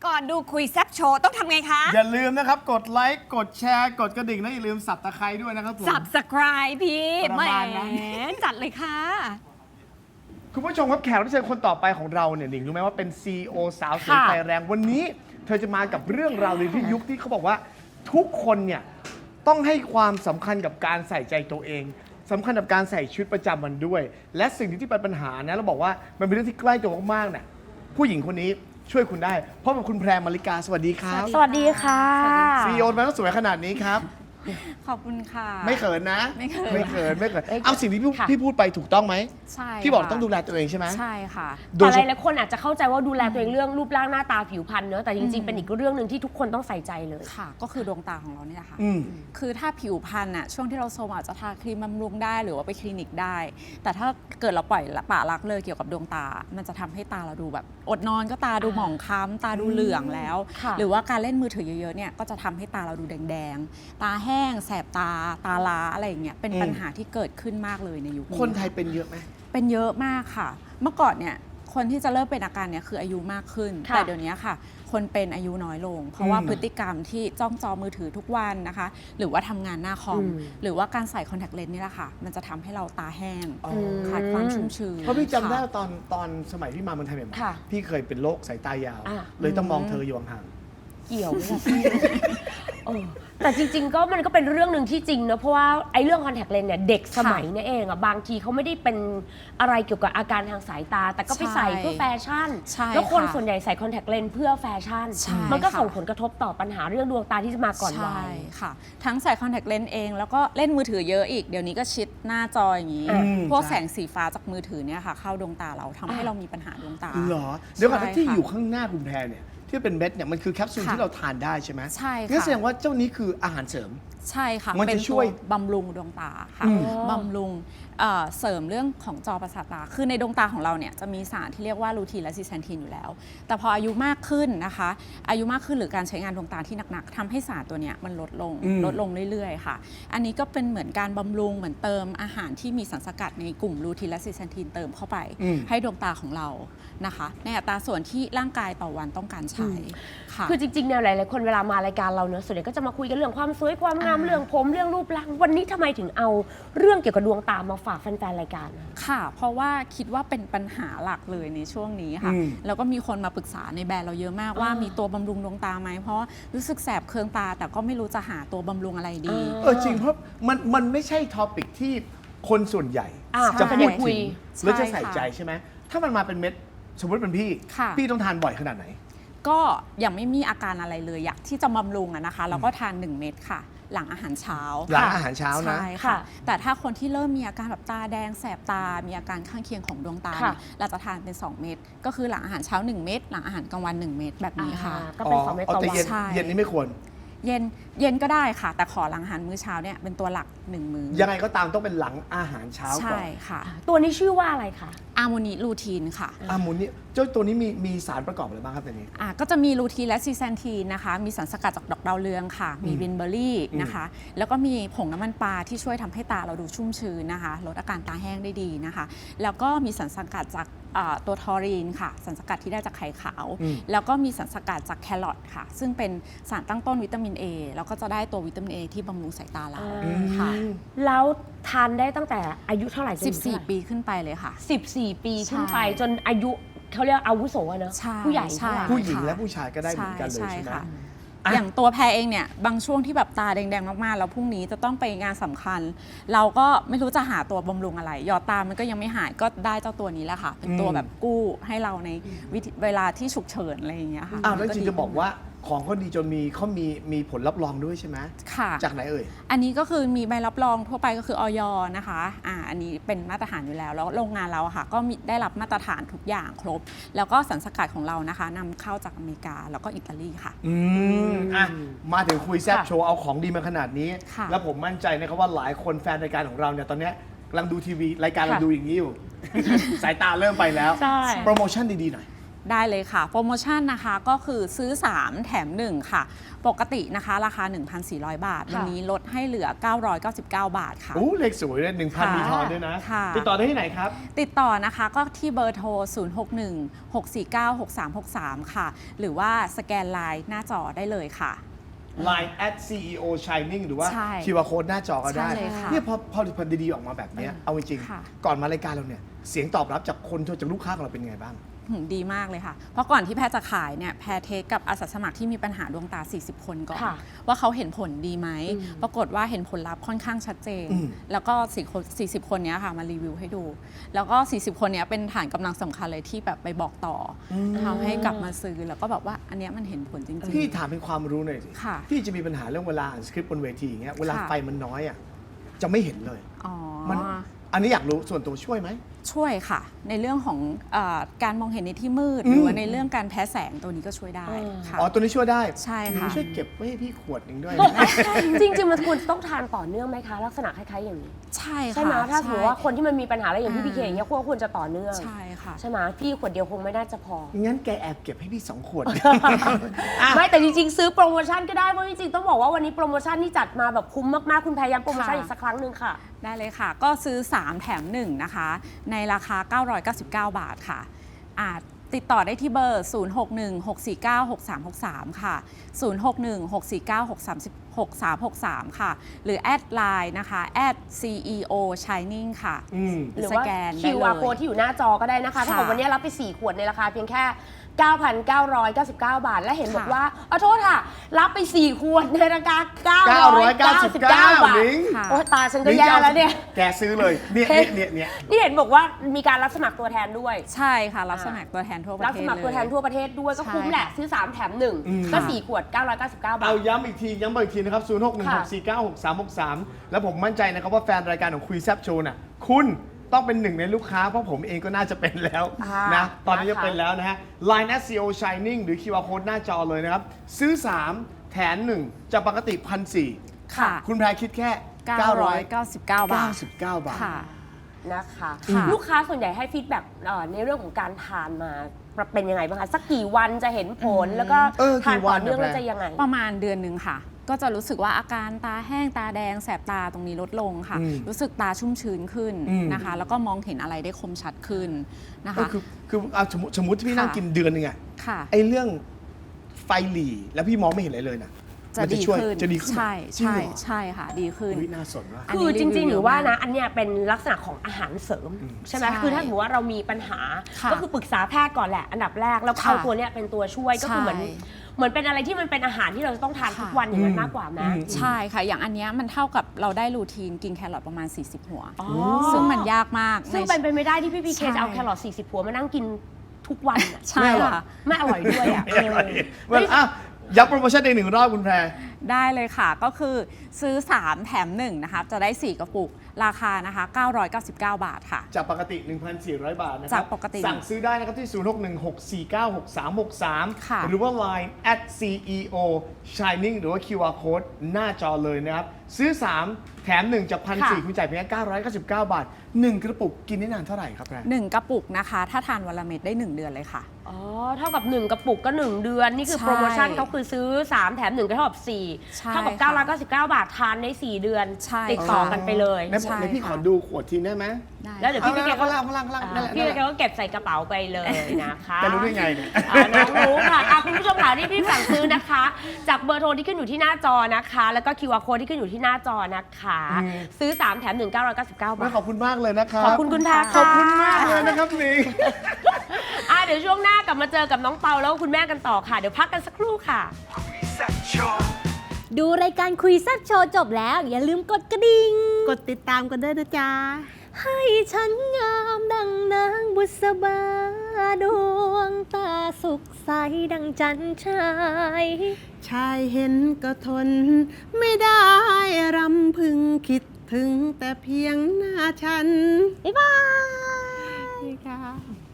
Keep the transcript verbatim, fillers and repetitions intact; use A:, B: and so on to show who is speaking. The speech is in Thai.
A: ก่อนดูคุยแซ่บโชว์ต้องทำไงคะ
B: อย่าลืมนะครับกดไลค์กดแชร์กดกระดิ่งและอย่าลืมสับตะไคร้ด้วยนะครับผม
A: Subscribe พี่
B: ประ
A: แหม
B: มาณนั้น
A: จัดเลยค่ะ
B: คุณผู้ชมครับแขกรับเชิญคนต่อไปของเราเนี่ยหนิงรู้ไหมว่าเป็น ซี อี โอ สาวสวย
A: ค่ะ
B: ไฟแรงวันนี้ เธอจะมากับเรื่องราวในที่ยุคที่เขาบอกว่าทุกคนเนี่ยต้องให้ความสำคัญกับการใส่ใจตัวเองสำคัญกับการใส่ชุดประจำวันด้วย และสิ่งที่เป็นปัญหานะเราบอกว่ามันเป็นเรื่องที่ใกล้ตัวมากๆเนี่ยผู้หญิงคนนี้ช่วยคุณได้เพราะกับคุณแพรมาริกาสวัสดีครับ
C: สวัสดีค่ะ
B: ซี อี โอ มาต้องสวยขนาดนี้ครับ
C: ขอบคุณค่ะ
B: ไม่เขินนะ
C: ไม่เขิน
B: ไม่เขินไม่เขิน
A: เอ้ย
B: เอาสิ่งที่พี่
A: ค่ะ
B: พี่พูดไปถูกต้องไหม
C: ใช่
B: พี่บอก
C: ค่ะ
B: ต้องดูแลตัวเองใช่ไหม
C: ใช่ค่ะ
B: โด
D: แต่
B: ย
D: ห
B: เฉพาะ
D: ลายๆคนอาจจะเข้าใจว่าดูแลตัวเองเรื่องรูปร่างหน้าตาผิวพรรณเนอะแต่จริงๆ เป็นอีกเรื่องหนึ่งที่ทุกคนต้องใส่ใจเลย
C: ค่ะ ก็คือดวงตาของเราเนี่ยค่ะ
B: อืม
C: คือถ้าผิวพรรณอะช่วงที่เราโซมอาจจะทาครีมบำรุงได้หรือว่าไปคลินิกได้ แต่ถ้าเกิดเราปล่อยละปละละเลยเกี่ยวกับดวงตา มันจะทำให้ตาเราดูแบบ อดนอนก็ตาดูหมองคล้ำตาดูเหลืองแล้ว
D: ค่ะ
C: หรือว่าการเล่นมือถือเยอะๆเนี่ยก็จะทำให้ตาเราดูแดงๆ ตาแห้งแสบตาตาล้าอะไรอย่างเงี้ยเป็น
B: อืม
C: ปัญหาที่เกิดขึ้นมากเลยในยุคนี้
B: คนไทยเป็นเยอะไหม
C: เป็นเยอะมากค่ะ เมื่อก่อนเนี่ยคนที่จะเริ่มเป็นอาการเนี่ยคืออายุมากขึ้น
D: ค่ะ
C: แต่เดี๋ยวนี้ค่ะ คนเป็นอายุน้อยลง เพราะว่า
B: อืม
C: พฤติกรรมที่จ้องจอมือถือทุกวันนะคะ หรือว่าทำงานหน้าคอม
D: อืม
C: หรือว่าการใส่คอนแทคเลนส์นี่แหละค่ะ มันจะทำให้เราตาแห้ง
B: อ๋อ
C: ขาดความชุ่มชื้น
B: เพราะพี่จำได้
C: ค่ะ
B: ว่าตอนตอนสมัยพี่มาเมืองไทยใหม่
D: ค่ะ
B: ๆพี่เคยเป็นโรคสายตายาว
D: อ่ะ
B: เลยต้องมองเธออยู่ห่าง
D: เกี่ยวไหมล่ะพี่เออแต่จริงๆ ก็มันก็เป็นเรื่องหนึ่งที่จริงนะเพราะว่าไอ้เรื่องคอนแทคเลนส์เนี่ยเด็กสมัยเนี่ยเองอะบางทีเขาไม่ได้เป็นอะไรเกี่ยวกับอาการทางสายตา แต่ก็ไปใส่เพื่อแฟชั่น
C: ใช่
D: แล้วคน
C: ค่ะ
D: ส่วนใหญ่ใส่คอนแทคเลนส์เพื่อแฟชั่น
C: ใช่
D: มันก็
C: ค่ะ
D: ส่งผลกระทบต่อปัญหาเรื่องดวงตาที่จะมาก่อนวั
C: ใช่
D: ย
C: ค่ะ ทั้งใส่คอนแทคเลนส์เอง แล้วก็เล่นมือถือเยอะอีก เดี๋ยวนี้ก็ชิดหน้าจออย่างนี้
D: อืม
C: พวก
B: ใช่
C: แสงสีฟ้าจากมือถือเนี่ยค่ะ เข้าดวงตาเราทำให้
D: อ่ะ
C: เรามีปัญหาดวงตา
B: ๆเหรอเดี๋ยวก่อน
C: ใช่
B: ที่
C: ค่ะ
B: อยู่ข้างหน้าคุณแพรเนี่ยที่เป็นเม็ดเนี่ยมันคือแคปซูล
C: ค่ะ
B: ที่เราทานได้ใช่ไหม
C: ใช่ค่ะ
B: งั้นแสดงว่าเจ้านี้คืออาหารเสริม
C: ใช่ค่ะ
B: มันจะ
C: เป็น
B: ช่วย
C: ตัวบำรุงดวงตาค่ะ
B: อืม
C: บำรุงเอ่อเสริมเรื่องของจอประสาทตา คือในดวงตาของเราเนี่ยจะมีสารที่เรียกว่าลูทีนและซิสแซนทีนอยู่แล้ว แต่พออายุมากขึ้นนะคะ อายุมากขึ้นหรือการใช้งานดวงตาที่หนักๆทำให้สารตัวเนี้ยมันลดลง
B: อืม
C: ลดลงเรื่อยๆค่ะ อันนี้ก็เป็นเหมือนการบำรุงเหมือนเติมอาหารที่มีสารสกัดในกลุ่มลูทีนและซิสแซนทีนเติมเข้าไป
B: อืม
C: ให้ดวงตาของเรานะคะ ในอัตราส่วนที่ร่างกายต่อวันต้องการใช้ค่ะ
D: คือจริงๆเนี่ยหลายๆคนเวลามารายการเราเนอะส่วนใหญ่ก็จะมาคุยกันเรื่องความสวยความงาม
C: อ่า
D: เรื่องผมเรื่องรูปร่างวันนี้ทำไมถึงเอาเรื่องเกี่ยวกับดวงตามาฝากแฟนๆรายการนะ
C: ค่ะ เพราะว่าคิดว่าเป็นปัญหาหลักเลยในช่วงนี้ค่ะ
B: อืม
C: แล้วก็มีคนมาปรึกษาในแบรนด์เราเยอะมากว่า
D: อ่ามี
C: มีตัวบำรุงดวงตาไหม เพราะว่ารู้สึกแสบเคืองตา แต่ก็ไม่รู้จะหาตัวบำรุงอะไรดี
D: อ่า
B: เออจริงเพราะมันมันไม่ใช่ท็อปิกที่คนส่วนใหญ่
D: อ่า
B: จะ
D: เขา
B: พู
D: จะ
B: ด
D: คุ
B: ถึ
D: ย
B: งแล้วจะ
C: ใช่
B: ใส่
C: ค่ะ
B: ใจใช่ไหมถ้ามันมาเป็นเม็ดสมมติเป็นพี่
C: ค่ะ
B: พี่ต้องทานบ่อยขนาดไหน
C: ก็ยังไม่มีอาการอะไรเลย อยากที่จะบำรุงอะนะคะ แล้วก็ทานหนึ่งเม็ดค่ะ หลังอาหารเช้า
B: หลัง
C: ค่ะ
B: อาหารเช้านะ
C: ใช่
D: ค่ะ
C: ค่ะ แต่ถ้าคนที่เริ่มมีอาการแบบตาแดงแสบตา มีอาการข้างเคียงของดวงตา
D: ค่ะ
C: เนี่ยเราจะทานเป็นสองเม็ด ก็คือหลังอาหารเช้าหนึ่งเม็ด หลังอาหารกลางวันหนึ่งเม็ดแบบนี้ค่ะ
D: อ่าก็เป็นสองเม็ดต่อ
B: แต่
D: วั
B: เย็น
D: น
C: ใช่
B: เย็นนี้ไม่ควร
C: เย็นเย็นก็ได้ค่ะ แต่ขอหลังอาหารมื้อเช้าเนี่ยเป็นตัวหลักหนึ่งมื้อ
B: ยังไงก็ตามต้องเป็นหลังอาหารเช้าก่อ
C: ใช่
B: น
C: ค่ะ
D: ตัวนี้ชื่อว่าอะไรคะ
C: อาร์โมนิลูทีนค่ะ
B: อามูนี่เจ้าตัวนี้มีมีสารประกอบอะไรบ้างครับตัวนี้
C: อ่ะก็จะมีลูทีนและซีแซนทีนนะคะ มีสารสกัดจากดอกดาวเรืองค่ะ มีวินเบอร์รี่นะคะ แล้วก็มีผงน้ำมันปลาที่ช่วยทำให้ตาเราดูชุ่มชื้นนะคะ ลดอาการตาแห้งได้ดีนะคะ แล้วก็มีสารสกัดจากอ่าตัวทอรีนค่ะ สารสกัดที่ได้จากไข่ขาว
B: อืม
C: แล้วก็มีสารสกัดจากแครอทค่ะ ซึ่งเป็นสารตั้งต้นวิตามิน A แล้วก็จะได้ตัววิตามิน A ที่บำรุงสายตาเรา
D: อืม
C: ค่ะ
D: แล้วทานได้ตั้งแต่อายุเท่าไหร่จนถึงเท่าไหร่
C: สิบสี่ ปีขึ้นไปเลยค่ะ
D: สิบสี่ปีขึ้นไป
C: ใช่
D: จนอายุเขาเรียกอาวุโสอะเนอะ
C: ใช่
D: ผู้ใหญ่
C: ใช่
D: เท่าไหร่
B: ผู้หญิง
C: ค่ะ
B: และผู้ชายก็ได้เหมือนกันเลย
C: ใช่
B: ใช่ไหม
C: ค่ะ
B: อ่ะ
C: อย่างตัวแพรเองเนี่ยบางช่วงที่แบบตาแดงๆมากๆแล้วพรุ่งนี้จะต้องไปงานสำคัญ เราก็ไม่รู้จะหาตัวบำรุงอะไรหยอดตามันก็ยังไม่หายก็ได้เจ้าตัวนี้แหละค่ะ เป็นตัว
B: อืม
C: แบบกู้ให้เราในวิธีเวลาที่ฉุกเฉินอะไรอย่างเงี้ยค่ะ
B: อ้าวแล้วจริง
C: ดี
B: จะบอกว่าของเขาดีจนมีเขามีมีผลรับรองด้วยใช่ไหม
C: ค่ะ
B: จากไหนเอ่ย
C: อันนี้ก็คือมีใบรับรองทั่วไปก็คือออยนะคะอ่าอันนี้เป็นมาตรฐานอยู่แล้ว แล้วโรงงานเราอะค่ะก็มีได้รับมาตรฐานทุกอย่างครบ แล้วก็สารสกัดของเรานะคะนำเข้าจากอเมริกาแล้วก็อิตาลีค่ะ
B: อืมอ่ะมาถึงคุยแซบ
D: ค่ะ
B: โชว์เอาของดีมาขนาดนี้
C: ค่ะ
B: แล้วผมมั่นใจนะครับว่าหลายคนแฟนรายการของเราเนี่ยตอนเนี้ยกำลังดูทีวีรายการเรา
D: ค่ะ
B: ดูอย่างนี้อยู่ สายตาเริ่มไปแล้ว
D: ใช่
B: โปรโมชั่นดีๆหน่อย
C: ได้เลยค่ะ โปรโมชั่นนะคะก็คือซื้อ สาม แถม หนึ่ง ค่ะ ปกตินะคะราคา หนึ่งพันสี่ร้อย บาท วันนี้ลดให้เหลือ เก้าร้อยเก้าสิบเก้า บาทค่ะ
B: โอ้เลขสวยเลยหนึ่งพัน
C: ค่ะ
B: มีทอนด้วยนะ
C: ค่ะ
B: ติดต่อได้ที่ไหนครับ
C: ติดต่อนะคะก็ที่เบอร์โทร ศูนย์ หก หนึ่ง หก สี่ เก้า หก สาม หก สาม ค่ะ หรือว่าสแกนไลน์หน้าจอได้เลยค่ะ
B: ไลน์ แอท ซี อี โอ Shining หรือว่า
C: ใช่
B: คิว อาร์ Code หน้าจอก็ได้
C: ใช่เลยค่ะ
B: เนี่ยพอพอผลิตภัณฑ์ดีๆออกมาแบบเนี้ยเอาจริง
C: ค่ะ
B: ๆก่อนมารายการเราเนี่ยเสียงตอบรับจากคนจากลูกค้าของเราเป็นไงบ้าง
C: หืมดีมากเลยค่ะ เพราะก่อนที่แพทย์จะขายเนี่ยแพทย์เทสกับอาสาสมัครที่มีปัญหาดวงตา สี่สิบ คนก่อน
D: ค่ะ
C: ว่าเขาเห็นผลดีไหม
D: อืม
C: ปรากฏว่าเห็นผลลัพธ์ค่อนข้างชัดเจน
B: อืม
C: แล้วก็สี่สิบ คนเนี้ยค่ะมารีวิวให้ดู แล้วก็ สี่สิบ คนเนี้ยเป็นฐานกำลังสำคัญเลยที่แบบไปบอกต่ออทำให้กลับมาซื้อแล้วก็แบบว่าอันเนี้ยมันเห็นผลจริง
B: พี่ถามเป็นความรู้หน่อยสิ
C: ค่ะ
B: พี่จะมีปัญหาเรื่องเวลาอ่านสคริปต์บนเวทีอย่างเงี้ยเวลา
C: ค่ะ
B: ไฟมันน้อยอ่ะจะไม่เห็นเลย
C: ๆอ๋อ
B: มันอันนี้อยากรู้ส่วนตัวช่วยไหม
C: ช่วยค่ะ ในเรื่องของเออการมองเห็นในที่มืด
B: อืม
C: หรือว่าในเรื่องการแพ้แสงตัวนี้ก็ช่วยได้ค่ะ
B: อ๋อตัวนี้ช่วยได้
C: ใช่ค่ะ
B: ช่วยเก็บไว้ให้พี่ขวดหนึ่งด้วย
D: จริงๆมันควรต้องทานต่อเนื่องไหมคะ ลักษณะคล้ายๆอย่างนี้
C: ใช่ค่ะ
D: ใช่ไหมถ้าสมมติว่า
C: ใช่
D: คนที่มันมีปัญหาอะไรอย่างพี่
C: อ่า
D: พีเคอย่างเงี้ยควรควรจะต่อเนื่อง
C: ใช่ค่ะ
D: ใช่ไหมพี่ขวดเดียวคงไม่น่าจะพอ
B: งั้นแกแอบเก็บให้พี่สองขวด
D: ไม่แต่จริงๆ ซื้อโปรโมชั่นก็ได้เพราะจริงๆต้องบอกว่าวันนี้โปรโมชั่นที่จัดมาแบบคุ้มมากๆคุณพยายามโปรโมชั่น
C: ค่ะ
D: อีกสักครั้งหนึ่งค่ะ
C: ได้เลยค่ะ ก็ซื้อ สาม แถม หนึ่ง นะคะ ในราคา เก้าร้อยเก้าสิบเก้า บาทค่ะอาจติดต่อได้ที่เบอร์ ศูนย์ หก หนึ่ง หก สี่ เก้า หก สาม หก สาม ค่ะ ศูนย์ หก หนึ่ง หก สี่ เก้า หก สาม หก สาม หก สาม ค่ะ หรือแอดไลน์นะคะ แอด ซี อี โอ Shining ค่ะ
B: อืม
D: หรือว่า
C: สแกนได้
D: คิว อาร์
C: เลย
D: code ที่อยู่หน้าจอก็ได้นะคะ
C: ค่ะ
D: ถ้าเกิดวันนี้รับไป สี่ ขวดในราคาเพียงแค่ เก้าพันเก้าร้อยเก้าสิบเก้า บาท และเห็น
C: ค่ะ
D: บอกว่าเอาโทษค่ะ รับไป สี่ ขวดในราคา เก้าร้อยเก้าสิบ
B: เก้า
D: เก้า
B: ร้อยเก้าสิบเก้า
D: บาท
B: ลิงก์
C: ค่ะ
D: โอ้ตาฉันก็แย่แล้วเนี่ย
B: แกซื้อเลยเนี่ยเนี่ยเนี่ยเนี่ย
D: นี่เห็นบอกว่ามีการรับสมัครตัวแทนด้วย
C: ใช่ค่ะ รับสมัครตัวแทนทั่วประ
D: รับ
C: เท
D: ส
C: ศ
D: มัครตัวแทน
C: เลย
D: ทั่วประเทศด้วยก็
C: ใช่
D: คุ้มแหละ ซื้อ สาม แถม หนึ่ง
B: อืม
D: ก็
B: ค่ะ
D: สี่ ขวด เก้าร้อยเก้าสิบเก้า บา
B: เอา
D: ท
B: ย้ำอีกทีย้ำอีกทีนะครับ ศูนย์ หก หนึ่ง หก สี่ เก้า หก สาม หก สาม แล้วผมมั่นใจนะครับว่าแฟนรายการของคุยแซบโชว์น่ะคุณต้องเป็นหนึ่งในลูกค้าเพราะผมเองก็น่าจะเป็นแล้ว
D: อ่าน
B: นะตอนนี้
D: นะคะ
B: จะเป็นแล้วนะฮะ ไลน์ แอท ซี อี โอ Shining หรือ คิว อาร์ Code หน้าจอเลยนะครับ ซื้อ สาม แถม หนึ่ง จากปกติ หนึ่งพันสี่ร้อย
C: ค่ะ
B: คุณแพรคิดแค่
C: เก้าร้อยเก้าสิบเก้า บาท
B: เก้าสิบเก้า บาท
C: ค่ะ
D: นะคะ
C: ค่ะ
D: ลูกค้าส่วนใหญ่ให้ฟีดแบ็กในเรื่องของการทานมาเป็นยังไงบ้างคะ สักกี่วันจะเห็นผล แล้วก็
B: เออ
D: ทาน
B: กี่วั
D: ต่อน เนื่อง
B: อะ
D: แล้ว
B: แพร
D: จะยังไง
C: ประมาณเดือนหนึ่งค่ะ ก็จะรู้สึกว่าอาการตาแห้งตาแดงแสบตาตรงนี้ลดลงค่ะ
B: อืม
C: รู้สึกตาชุ่มชื้นขึ้น
B: อืม
C: นะคะ แล้วก็มองเห็นอะไรได้คมชัดขึ้นนะ
B: ก็
C: คะ
B: คือคือเอาสมมติสมมติที่พี่นั่ง
C: ค่ะ
B: กินเดือนหนึงอะ
C: ค่ะ
B: ไอ้เรื่องไฟหลีแล้วพี่มองไม่เห็นอะไรเลยนะ
C: จะ
B: มัน
C: ดี
B: ช่วย
C: ขึ้น
B: จะดีขึ้น
C: ใช่
B: จริง
C: ใช่
B: เหรอ
C: ใช่ค่ะ ดีขึ้น
B: เฮ้ยน่าสนว่ะ
C: อันนี้
D: คือจริง
C: รีวิว
D: ๆ หรือว่า
C: เยอะ
D: นะ
C: มาก
D: อันเนี้ยเป็นลักษณะของอาหารเสริม ใช่ไหม
C: ใช่
D: คือถ้าสมมติว่าเรามีปัญหา
C: ค่ะ
D: ก็คือปรึกษาแพทย์ก่อนแหละ อันดับแรก แล้ว
C: ค่ะ
D: เอาตัวเนี้ยเป็นตัวช่วย ก็คือเหมือน
C: ใช่
D: เหมือนเป็นอะไรที่มันเป็นอาหารที่เราจะต้องทานทุก
C: ค่ะ
D: วันอย่างนั้น
B: อืม
D: มากกว่าไหม
B: อืม
C: ใช่ค่ะ อย่างอันเนี้ยมันเท่ากับเราได้รูทีนกินแครอทประมาณ สี่สิบ หัว
D: อ๋อ
C: ซึ่งมันยากมาก
D: ซึ่ง
C: ใน
D: เป็นไปไม่ได้ที่พี่พีเค
C: ใช่
D: จะเอาแครอทสี่สิบหัวมานั่งกินทุกวันอะ
C: ใช่ค่ะ
D: ไม่อร่อยด้วยอ่ะเออ
B: เwell อ่ะย้ำโปรโมชั่นในหนึ่งรอบคุณแพร
C: ได้เลยค่ะ ก็คือซื้อ สาม แถม หนึ่ง นะคะ จะได้ สี่ กระปุก ราคานะคะ เก้าร้อยเก้าสิบเก้า บาทค่ะ
B: จากปกติ หนึ่งพันสี่ร้อย บาทนะครั
C: จากปกติ
B: สั่งซื้อได้นะครับที่ ศูนย์ หก หนึ่ง หก สี่ เก้า หก สาม หก สาม
C: ค่ะ
B: หรือว่า ไลน์ แอท ซี อี โอ Shining หรือว่า คิว อาร์ Code หน้าจอเลยนะครับ ซื้อ สาม แถม หนึ่ง จาก หนึ่งพันสี่ร้อย
D: ค่ะ
B: คุณจ่ายเพียงแค่เก้าร้อยเก้าสิบเก้า บาท หนึ่ง กระปุกกินได้นานเท่าไหร่ครับแพร
C: หนึ่ง กระปุกนะคะ ถ้าทานวันละเม็ดได้ หนึ่ง เดือนเลยค่ะ
D: อ๋อ เท่ากับ หนึ่ง กระปุกก็ หนึ่ง เดือน นี่คือ
C: ใช่
D: โปรโมชั่นเขาคือซื้อ สาม แถม หนึ่ง ก็เท่ากับสี่
C: ใช่
D: เท่ากับ
C: ค่ะ
D: เก้าร้อยเก้าสิบเก้า บาททานได้สี่เดือน
C: ใช่
D: ติดต่อ
C: ค่ะ
D: กันไปเลย
B: ใน
C: ใช่
B: ในพี่ขอ
C: ค่ะ
B: ดูขวดทีได้ไหม
C: ได้
D: แล้วเดี๋ยว
B: เอา
D: พี่
B: แล้ว
D: แกก็
B: ข้างล่างข้างล่างข้างล่างนั่นแหละ
D: พี่
B: นั่น
D: แก
B: แหละ
D: ก็เก็บใส่กระเป๋าไปเลยนะคะ
B: แกรู้ได้ไงเนี่ย
D: อ่าน้องรู้ค่ะอ่ะคุณผู้ชมค่ะที่พี่สั่งซื้อนะคะ จากเบอร์โทรที่ขึ้นอยู่ที่หน้าจอนะคะ แล้วก็ คิว อาร์ code ที่ขึ้นอยู่ที่หน้าจอนะคะ
B: อืม
D: ซื้อ สาม แถม หนึ่ง เก้าร้อยเก้าสิบเก้า บา
B: ไม่
D: ท
B: ขอบคุณมากเลยนะครับ
D: ขอบคุณคุณแพร
B: ขอบคุณ
D: ค่ะ
B: มากเลยนะครับหนิง
D: อ่ะเดี๋ยวช่วงหน้ากลับมาเจอกับน้องเปาแล้วก็คุณแม่กันต่อค่ะ เดี๋ยวพักกันสักครู่ค่ะ
E: ดูรายการคุยแซ่บโชว์จบแล้ว อย่าลืมกดกระดิ่ง
F: กดติดตามกันด้วยนะจ๊ะ
E: ให้ฉันงามดังนางบุษบาดวงตาสุขใสดังจันทราย
F: ชายเห็นก็ทน ไม่ได้รำพึงคิดถึงแต่เพียงหน้าฉัน
E: บ๊ายบาย
F: นี่ค่ะ